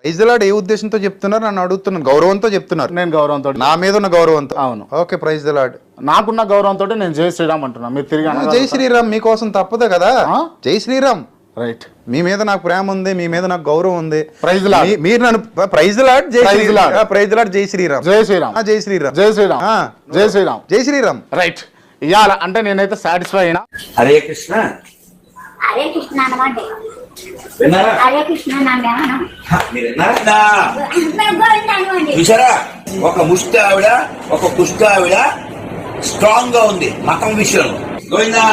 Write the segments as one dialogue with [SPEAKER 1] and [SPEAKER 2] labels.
[SPEAKER 1] Praise lord ఏ ఉద్దేశంతో చెప్తున్నారు నన్ను అడుగుతున్నాను. గౌరవంతో చెప్తున్నారు.
[SPEAKER 2] నేను గౌరవంతో,
[SPEAKER 1] నా మీద ఉన్న గౌరవంతో.
[SPEAKER 2] అవును.
[SPEAKER 1] Okay, praise Lord.
[SPEAKER 2] నాకున్న గౌరవంతో నేను జై శ్రీరామ్ అంటున్నా. మీరు తిరిగి
[SPEAKER 1] జై శ్రీరామ్ మీకోసం తప్పదు కదా. జై శ్రీరామ్.
[SPEAKER 2] రైట్.
[SPEAKER 1] మీ మీద నాకు ప్రేమ ఉంది, మీ మీద నాకు గౌరవం ఉంది.
[SPEAKER 2] Praise Lord.
[SPEAKER 1] మీరు నన్ను ప్రైజ్ లార్డ్, జై శ్రీరామ్. ప్రైజ్ లార్డ్, జై శ్రీరామ్.
[SPEAKER 2] జై శ్రీరామ్.
[SPEAKER 1] జై శ్రీరామ్.
[SPEAKER 2] జై శ్రీరామ్. జై శ్రీరామ్.
[SPEAKER 1] జై శ్రీరామ్.
[SPEAKER 2] రైట్. ఇవాళ అంటే నేనైతే సాటిస్ఫై అయినా.
[SPEAKER 3] హరే కృష్ణ
[SPEAKER 4] హరే కృష్ణ అన్నమాట.
[SPEAKER 3] విన్నారా?
[SPEAKER 4] హరే కృష్ణ
[SPEAKER 3] మీరు విన్నారా? చూసారా, ఒక ముష్టి ఆవిడ ఒక కుష్టి ఆవిడ స్ట్రాంగ్ గా ఉంది మతం విషయంలో. గోవిందా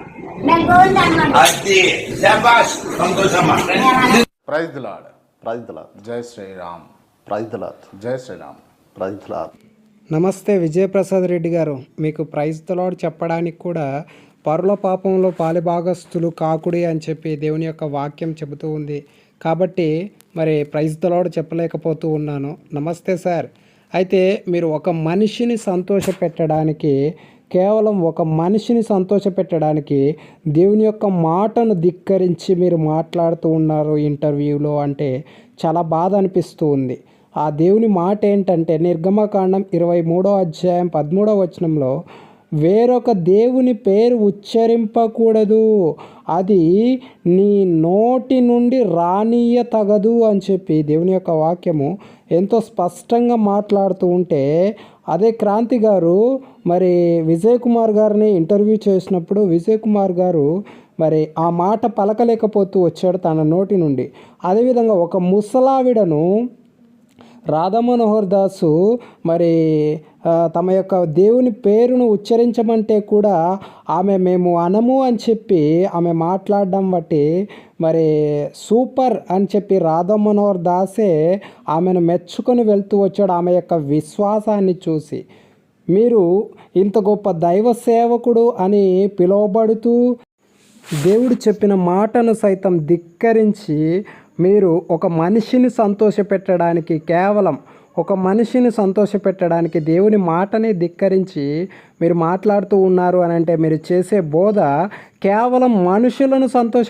[SPEAKER 3] అది శాబాష్, సంతోషమ్మా.
[SPEAKER 2] Praise the Lord.
[SPEAKER 5] Praise the Lord.
[SPEAKER 2] జై శ్రీరామ్.
[SPEAKER 5] Praise the Lord.
[SPEAKER 2] జై శ్రీరామ్.
[SPEAKER 5] Praise the lord.
[SPEAKER 6] నమస్తే విజయప్రసాద్ రెడ్డి గారు. మీకు ప్రైజ్ ది లార్డ్ చెప్పడానికి కూడా పరుల పాపంలో పాలిభాగస్తులు కాకుడి అని చెప్పి దేవుని యొక్క వాక్యం చెబుతూ ఉంది. కాబట్టి మరి ప్రైజ్ ది లార్డ్ చెప్పలేకపోతూ ఉన్నాను. నమస్తే సార్. అయితే మీరు ఒక మనిషిని సంతోషపెట్టడానికి, కేవలం ఒక మనిషిని సంతోషపెట్టడానికి దేవుని యొక్క మాటను ధిక్కరించి మీరు మాట్లాడుతూ ఉన్నారు ఇంటర్వ్యూలో. అంటే చాలా బాధ అనిపిస్తూ ఉంది. ఆ దేవుని మాట ఏంటంటే నిర్గమకాండం 23వ అధ్యాయం 13వ వచనంలో వేరొక దేవుని పేరు ఉచ్చరింపకూడదు, అది నీ నోటి నుండి రానీయ తగదు అని చెప్పి దేవుని యొక్క వాక్యము ఎంతో స్పష్టంగా మాట్లాడుతూ ఉంటే, అదే క్రాంతి గారు మరి విజయ్ కుమార్ గారిని ఇంటర్వ్యూ చేసినప్పుడు విజయ్ కుమార్ గారు మరి ఆ మాట పలకలేకపోతూ వచ్చాడు తన నోటి నుండి. అదేవిధంగా ఒక ముసలావిడను రాధామనోహర్ దాసు మరి తమ యొక్క దేవుని పేరును ఉచ్చరించమంటే కూడా ఆమె మేము అనము అని చెప్పి ఆమె మాట్లాడడం బట్టి మరి సూపర్ అని చెప్పి రాధామనోహర్ దాసే ఆమెను మెచ్చుకొని వెళ్తూ వచ్చాడు ఆమె యొక్క విశ్వాసాన్ని చూసి. మీరు ఇంత గొప్ప దైవ సేవకుడు అని పిలువబడుతూ దేవుడు చెప్పిన మాటను సైతం ధిక్కరించి మీరు ఒక మనిషిని సంతోషపెట్టడానికి, కేవలం ఒక మనిషిని సంతోషపెట్టడానికి దేవుని మాటని ధిక్కరించి మీరు మాట్లాడుతూ ఉన్నారు అని అంటే మీరు చేసే బోధ కేవలం మనుషులను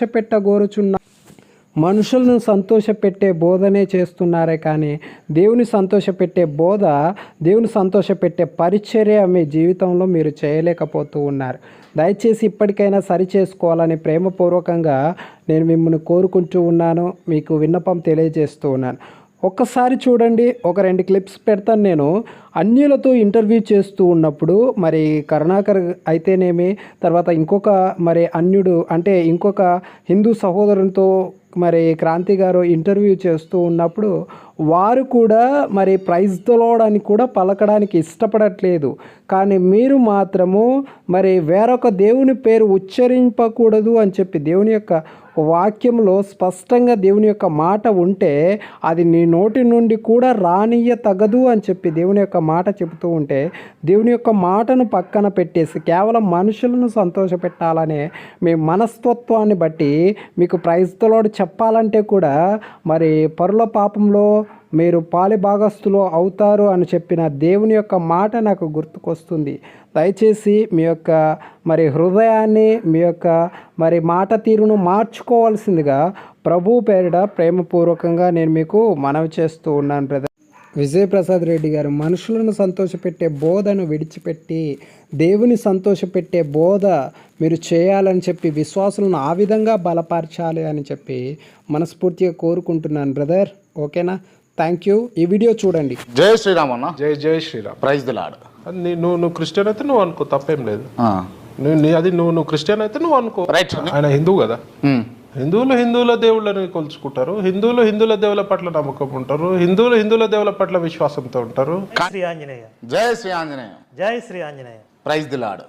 [SPEAKER 6] మనుషులను సంతోషపెట్టే బోధనే చేస్తున్నారే కానీ దేవుని సంతోషపెట్టే బోధ, దేవుని సంతోషపెట్టే పరిచర్య మీ జీవితంలో మీరు చేయలేకపోతూ ఉన్నారు. దయచేసి ఇప్పటికైనా సరి చేసుకోవాలని ప్రేమపూర్వకంగా నేను మిమ్మల్ని కోరుకుంటూ ఉన్నాను, మీకు విన్నపం తెలియజేస్తూ ఉన్నాను. ఒక్కసారి చూడండి, ఒక 2 క్లిప్స్ పెడతాను. నేను అన్యులతో ఇంటర్వ్యూ చేస్తూ ఉన్నప్పుడు మరి కరుణాకర్ అయితేనేమి, తర్వాత ఇంకొక మరి అన్యుడు అంటే ఇంకొక హిందూ సహోదరునితో మరి క్రాంతి గారు ఇంటర్వ్యూ చేస్తూ ఉన్నప్పుడు వారు కూడా మరి ప్రైజ్ ది లార్డ్ అని కూడా పలకడానికి ఇష్టపడట్లేదు. కానీ మీరు మాత్రము మరి వేరొక దేవుని పేరు ఉచ్చరింపకూడదు అని చెప్పి దేవుని యొక్క వాక్యంలో స్పష్టంగా దేవుని యొక్క మాట ఉంటే అది నీ నోటి నుండి కూడా రానియ్య తగదు అని చెప్పి దేవుని యొక్క మాట చెబుతూ ఉంటే, దేవుని యొక్క మాటను పక్కన పెట్టేసి కేవలం మనుషులను సంతోషపెట్టాలనే మీ మనస్తత్వాన్ని బట్టి మీకు ప్రైజ్ ది లార్డ్ చెప్పాలంటే కూడా మరి పరుల పాపంలో మీరు పాలిభాగస్తులు అవుతారు అని చెప్పిన దేవుని యొక్క మాట నాకు గుర్తుకొస్తుంది. దయచేసి మీ యొక్క మరి హృదయాన్ని, మీ యొక్క మరి మాట తీరును మార్చుకోవాల్సిందిగా ప్రభు పేరిట ప్రేమపూర్వకంగా నేను మీకు మనవి చేస్తూ ఉన్నాను బ్రదర్. విజయప్రసాద్ రెడ్డి గారు మనుషులను సంతోషపెట్టే బోధను విడిచిపెట్టి దేవుని సంతోషపెట్టే బోధ మీరు చేయాలని చెప్పి విశ్వాసులను ఆ విధంగా బలపరచాలి అని చెప్పి మనస్ఫూర్తిగా కోరుకుంటున్నాను బ్రదర్. ఓకేనా? Thank you. ఈ వీడియో చూడండి.
[SPEAKER 2] జై శ్రీరామ్ అన్న.
[SPEAKER 7] జై శ్రీరామ్.
[SPEAKER 2] Praise the Lord.
[SPEAKER 7] నువ్వు క్రిస్టియన్ అయితే నువ్వు అనుకో, తప్పేం లేదు. నువ్వు క్రిస్టియన్ అయితే నువ్వు అనుకో.
[SPEAKER 2] రైట్.
[SPEAKER 7] ఆయన హిందువు కదా. హిందువుల దేవుళ్ళని కొలుచుకుంటారు, హిందువుల దేవుల పట్ల నమ్మకం ఉంటారు, హిందువుల దేవుల పట్ల విశ్వాసంతో ఉంటారు.
[SPEAKER 8] శ్రీ ఆంజనేయ.
[SPEAKER 2] జై శ్రీ ఆంజనేయ.
[SPEAKER 8] జై Shri Anjaneya.
[SPEAKER 2] Praise the Lord.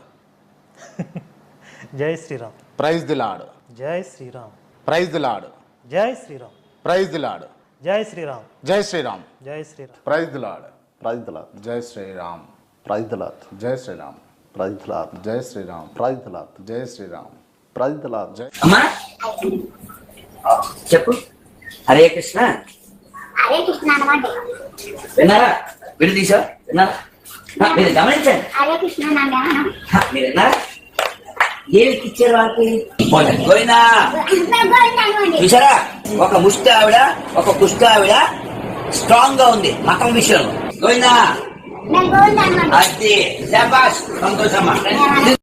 [SPEAKER 8] జై శ్రీరామ్.
[SPEAKER 2] Praise the Lord.
[SPEAKER 8] జై శ్రీరామ్.
[SPEAKER 2] Praise the Lord.
[SPEAKER 8] జై శ్రీరామ్.
[SPEAKER 2] Praise the Lord.
[SPEAKER 8] జై శ్రీరామ్.
[SPEAKER 2] జై శ్రీరామ్.
[SPEAKER 8] జై Shriram.
[SPEAKER 2] Praise the Lord.
[SPEAKER 5] Praise the Lord.
[SPEAKER 2] జై శ్రీరామ్.
[SPEAKER 5] Praise the Lord.
[SPEAKER 2] జై శ్రీరామ్.
[SPEAKER 5] Praise the Lord.
[SPEAKER 2] జై శ్రీరామ్.
[SPEAKER 5] Praise the Lord.
[SPEAKER 2] జై శ్రీరామ్.
[SPEAKER 5] Praise the lord.
[SPEAKER 3] అమ్మా చెప్పు. హరే కృష్ణ.
[SPEAKER 4] హరే కృష్ణ అన్నమాట.
[SPEAKER 3] విన్నారా? వీడు తీసా విన్నారా? మీరు గమనించండి.
[SPEAKER 4] హరే కృష్ణ
[SPEAKER 3] మీరు విన్నారా? ఏమికి ఇచ్చారు వాళ్ళకి? గోవిందా. చూసారా, ఒక ముష్టి ఆవిడ ఒక కుష్టి ఆవిడ స్ట్రాంగ్ గా ఉంది మతం విషయంలో. గోవిందా
[SPEAKER 4] నేను గోవింద అనమాట.
[SPEAKER 3] అది శాబాష్, సంతోషమ్మా.